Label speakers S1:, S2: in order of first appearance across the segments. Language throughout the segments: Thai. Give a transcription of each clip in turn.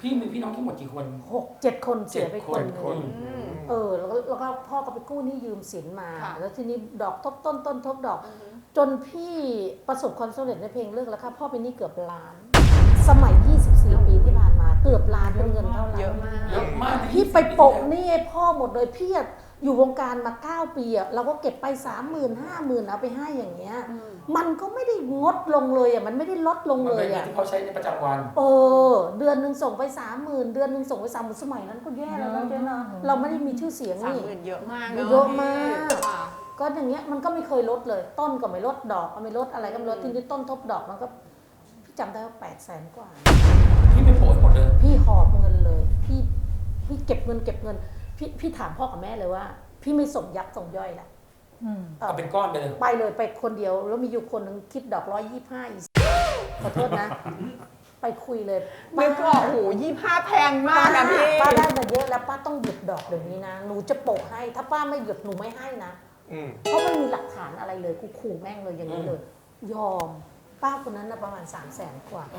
S1: พี่มีพี่น้องทั้งหมดกี่คน
S2: 6-7 คนเสียไปคนหนึ่ง
S1: 7 คน
S2: แล้วก็พ่อก็ไปกู้หนี้ยืมสินมา แล้วทีนี้ดอกทบต้นต้นทบดอก จนพี่ประสบความสำเร็จในเพลงเลิกแล้วค่ะพ่อเป็นหนี้เกือบล้าน สมัย 24 ปีที่ผ่านมาเกือบล้านเป็นเงินเท่าไหร่
S3: เยอะมาก
S1: เยอะมาก
S2: พี่ไปโปะหนี้ให้พ่อหมดเลยพี่อยู่วงการมา9 ปีอะเราก็เก็บไป 30,000 50,000เอาไปให้อย่างเงี้ยมันก็ไม่ได้งดลงเลยอะมันไม่ได้ลดลง
S1: มัน
S2: เล
S1: เป็น
S2: ย
S1: เงิน
S2: อะ
S1: ที่เขาใช้ในประจำวัน
S2: เดือนหนึ่งส่งไป 30,000 เดือนหนึ่งส่งไป30,000สมัยนั้นก็แย่แล้วนะเจ๊นะเราไม่ได้มีชื่อเสียงนี่
S3: 30,000เยอะมาก
S2: เยอะมากก็อย่างเงี้ยมันก็ไม่เคยลดเลย ต้นก็ไม่ลดดอกก็ไม่ลดอะไรก็ไม่ลดทีนี้ต้นทบดอกมันก็พี่จำได้ว่า800,000 กว่า
S1: พี่ไปโปะหมดเลย
S2: พี่หอบเงินเลยพี่เก็บเงินพี่ถามพ่อกับแม่เลยว่า พี่ไม่ส่งยักษ์ส่งย่อยละ
S1: เอาเป็นก้อนไปเลย
S2: ไปเลยไปคนเดียวแล้วมีอยู่คนหนึ่งคิดดอก125อีกขอโทษนะ ไปคุยเลย
S3: ไม่ก็โอ้โห25แพงมากอะพี่
S2: ป้าได้มาเยอะแล้วป้าต้องหยุดดอกเดี๋ยวนี้นะหนูจะโปะให้ถ้าป้าไม่หยุดหนูไม่ให้นะเพราะไม่มีหลักฐานอะไรเลยกูขู่แม่งเลยอย่างนี้เลย ยอมป้าคนนั้นนะประมาณ300,000 กว่า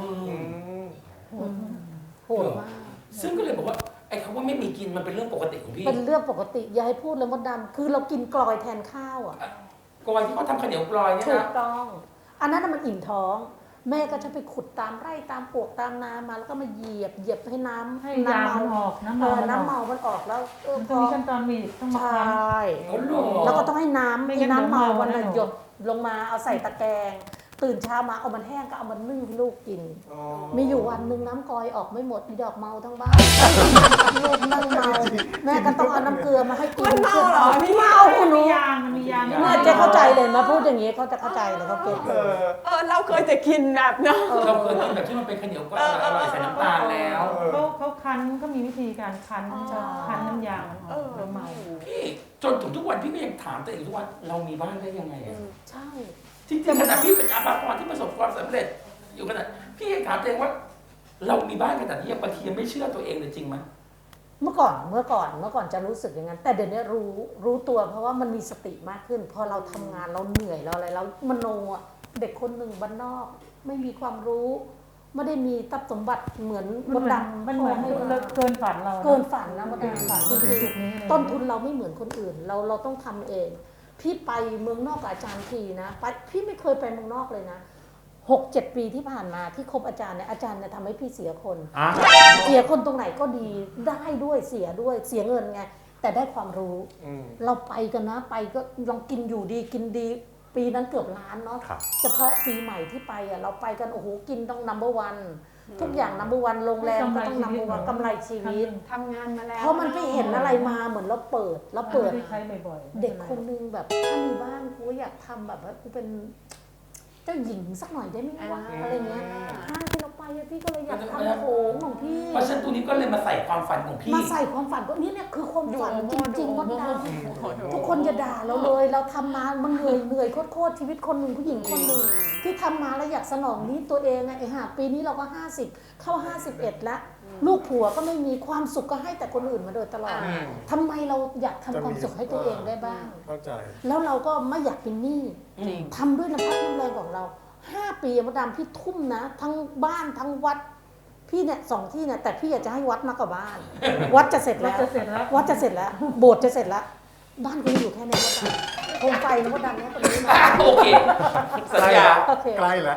S2: โหดมาก
S1: ซึ่งก็เลยบอกว่าไอ้คำว่าไม่มีกินมันเป็นเรื่องปกติของพี่
S2: เป็นเรื่องปกติอย่าให้พูดเลยมดดำคือเรากินกลอยแทนข้าวอ่ะ
S1: กอยที่เขาทำข้าวเหนียวกลอยเนี่ย
S2: ถูก
S1: นะ
S2: ต้อง อันนั้นนะมันอิ่มท้อง แม่ก็จะไปขุดตามไร่ตามปวกตามนามาแล้วก็มาเหยียบให้น้ำ
S4: ให้ยามันออกน้ำ
S2: เอ
S4: เมา
S2: อ
S4: มันออก
S2: น้ำเมามันออกแล้ว
S4: มันต้องมีขั้นตอนมีต้อง
S2: ใช
S4: มาคั้น่
S2: แล้วก็ต้องให้น้ำ
S4: ไม่
S2: ให้
S4: งั้น
S2: น้ำเมา
S4: เดี๋ยว
S2: วัน
S4: เมา
S2: ละ
S4: แน่นอน
S2: หยดลงมาเอาใส่ตะแกรงตื่นเช้ามาเอามันแห้งก็เอามันนึ่งให้ลูกกิน มีอยู่วันหนึ่งน้ำกอยออกไม่หมดมีดอกเมาทั้งบ้านลูกนั่งเมาแม่ก็ต้องเอาน้ำเกลือมาให้กิน
S3: มันเมาเหรอพี่
S2: เมา
S4: มัน
S2: หนู
S4: มียางมันมียาง
S2: เนี่ยเจ๊เข้าใจเลยมาพูดอย่างนี้เขาจะเข้าใจเลยเขาเก็ตเลย
S3: เราเคยจะกินแบบเนาะ
S1: เราเคยกินแบบที่มันเป็นข้าวเหนียวกลอยอร่อยใส่น้ำตาลแล้ว
S4: เขาคั้นก็มีวิธีการคั้นคั้นน้ำยางมันออกแล้วเมา
S1: พี่จนถึงทุกวันพี่ก็ยังถามตัวเองทุกวันเรามีบ้านได้ยังไงอะ
S2: ใช่
S1: จริงๆขนาดพี่เป็นอาภากรที่ประสบความสำเร็จ อยู่ขนาดพี่ยังถามตัวเองว่า เรามีบ้านขนาดนี้ยังบางทียังไม่เชื่อตัวเองเลยจริงไหม
S2: เมื่อก่อนจะรู้สึกอย่างนั้นแต่เดี๋ยวนี้รู้ตัวเพราะว่ามันมีสติมากขึ้น พอเราทำงานเราเหนื่อยเราอะไรเรามโนอ่ะเด็กคนหนึ่งบ้านนอก ไม่มีความรู้ ไม่ได้มีทรัพย์สมบัติเหมือนมดดำ
S4: มันเหมือนเกินฝันเรา
S2: เกินฝันนะมดดำฝันจริง
S4: จุดนี้
S2: ๆต้นทุนเราไม่เหมือนคนอื่น เราต้องทำเอง พี่ไปเมืองนอกกับอาจารย์ทีนะไปพี่ไม่เคยไปเมืองนอกเลยนะ6-7 ปีที่ผ่านมาที่คบอาจารย์เนี่ยอาจารย์เนี่ยทำให้พี่เสียคน เสียคนตรงไหนก็ดีได้ด้วยเสียด้วยเสียเงินไงแต่ได้ความรู้เราไปกันนะไปก็ลองกินอยู่ดีกินดี ปีนั้นเกือบล้านเนาะเฉพาะปีใหม่ที่ไปอ่ะเราไปกันโอ้โหกินต้องnumber one ทุกอย่างnumber one โรงแรมก็ต้องnumber one กำไรชีวิต
S3: ทำงานมาแล้ว
S2: เพราะมันไปเห็นอะไรมาเหมือนเราเปิด
S4: ใช้บ่อยๆ
S2: เด็กคนนึงแบบถ้ามีบ้านกูอยากทำแบบว่ากูเป็นเจ้าหญิงสักหน่อยได้ไหมวะอะไรเงี้ยห้างที่เราไปอะพี่ก็เลยอยากทำโถงของพี่
S1: เพราะฉะนั้นตัวนี้ก็เลยมาใส่ความฝันของพี่
S2: มาใส่ความฝันก็นี่เนี่ยคือความฝันจริงๆมดดำทุกคนจะด่าเราเลยเราทำมามันเหนื่อยโคตรชีวิตคนหนึ่งผู้หญิงคนหนึ่งที่ทำมาแล้วอยากสนองนี้ตัวเองไงปีนี้เราก็50เข้า51แล้วลูกผัวก็ไม่มีความสุขก็ให้แต่คนอื่นมาโดยตลอดทำไมเราอยากทำความสุขให้ตัวเองได้บ้าง
S5: เข้าใจ
S2: แล้วเราก็ไม่อยากเป็นหนี้ทำด้วยน้ำพักน้ำแรงของเรา5 ปีมดดำพี่ทุ่มนะทั้งบ้านทั้งวัดพี่เนี่ย2 ที่เนี่ยแต่พี่อยากจะให้วัดมากกว่าบ้าน วัดจะเสร็จแล้ววัดจะเสร็จแล้วโบสถ์จะเสร็จแล้วบ้านก็ยังอยู่แค่นี้มดดำโคมไฟนะมดดำเนี่ยตรงนี้นะ
S1: โอเคสัญญา
S2: โอเค
S5: ใกล้แล้ว